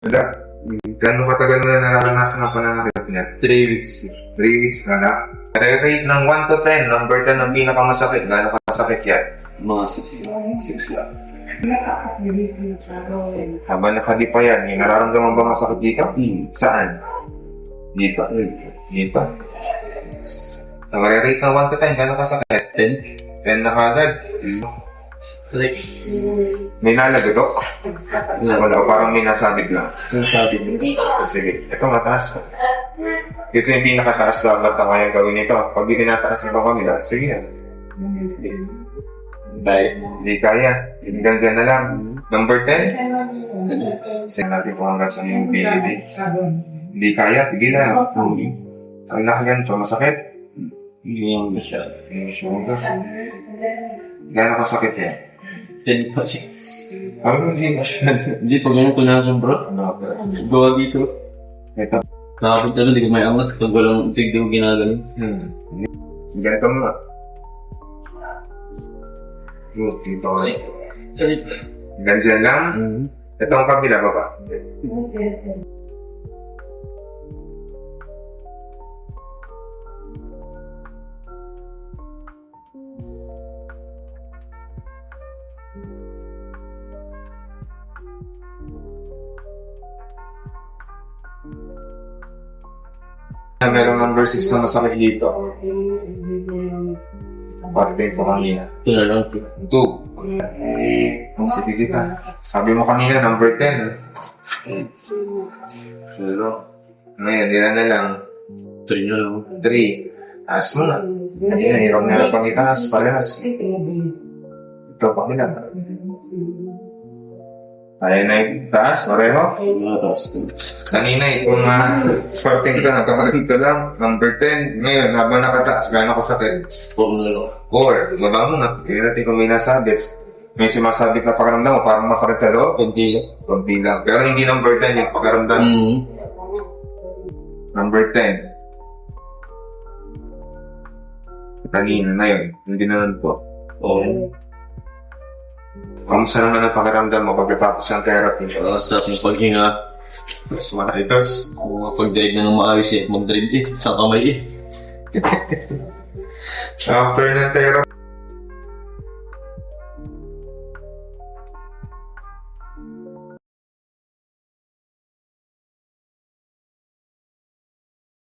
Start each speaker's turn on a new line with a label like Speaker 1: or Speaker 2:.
Speaker 1: Wala. Gano'ng katagal mo na nararanasan ang pananakit niya?
Speaker 2: 3 weeks.
Speaker 1: 3 weeks ka na. Rate ng 1 to 10. Number 10 ang pinakamasakit. Gano'ng kasakit yan?
Speaker 2: Mga 6 lang.
Speaker 1: Habang nakadi pa yan, yung nararamdaman ba masakit dito? Saan? Dito. Dito. Ang rate ng 1 to 10, gano'ng kasakit?
Speaker 2: 10?
Speaker 1: 10 na kagad.
Speaker 2: Like,
Speaker 1: May nalagadok? Wala, parang may nasabig lang.
Speaker 2: yung sabi mo.
Speaker 1: Sige, ito mataas pa. Ito yung pinakataas dapat na kaya gawin ito. Pag di tinataas ng pamamila, sige yan.
Speaker 2: Bye.
Speaker 1: Hindi kaya. Hanggang dyan na lang. Number 10. Sige natin kung hanggang saan yung baby. Hindi kaya, tigilan. Ang nakaganto, masakit.
Speaker 2: Hindi mo siya.
Speaker 1: Yung shoulder. Gano'ng kasakit yan?
Speaker 2: 10 pa siya.
Speaker 1: Ano hindi masyado?
Speaker 2: Hindi, pag ganun punasan bro. Gawa dito.
Speaker 1: Ito.
Speaker 2: Nakapit talaga, di ko may angat. Pag walang tigdi ko ginagaling.
Speaker 1: Ganito mo. Dito ko. Ganyan lang. Ito ang kabila ba ba? Merong number 6 na masakit dito. Parte ko kanina.
Speaker 2: Ito na lang.
Speaker 1: 2. Ang sige kita. Sabi mo kanina, number 10. Pero, ngayon, ilan na lang?
Speaker 2: 3 na lang.
Speaker 1: 3. Taas mo na. Kanina, hirap na lang pang itaas. Parehas. Ito, pangila. Ayan na yung taas, pareho.
Speaker 2: Mga taas.
Speaker 1: Kanina, kung 14 ka, nagkakalit ka lang. Number 10. Ngayon, habang nakataas, gano'ng kasakit?
Speaker 2: 4 na lang.
Speaker 1: 4. Baba mo na. Hindi natin kung may nasabit. May sumasabit na pakaramdam mo, parang masakit sa loob.
Speaker 2: Kunti lang.
Speaker 1: Kunti lang. Pero hindi number 10 yung pakaramdam. Number 10. Kanina na yun. Hindi naman po.
Speaker 2: Oo.
Speaker 1: Kamusta naman ang pakiramdam mo pagkatapos ng therapy?
Speaker 2: Sa aking paghinga.
Speaker 1: Mas malakas.
Speaker 2: Kung mapag-drive na ng maayos eh. Mag-drive eh. Sa kamay eh.
Speaker 1: After ng therapy,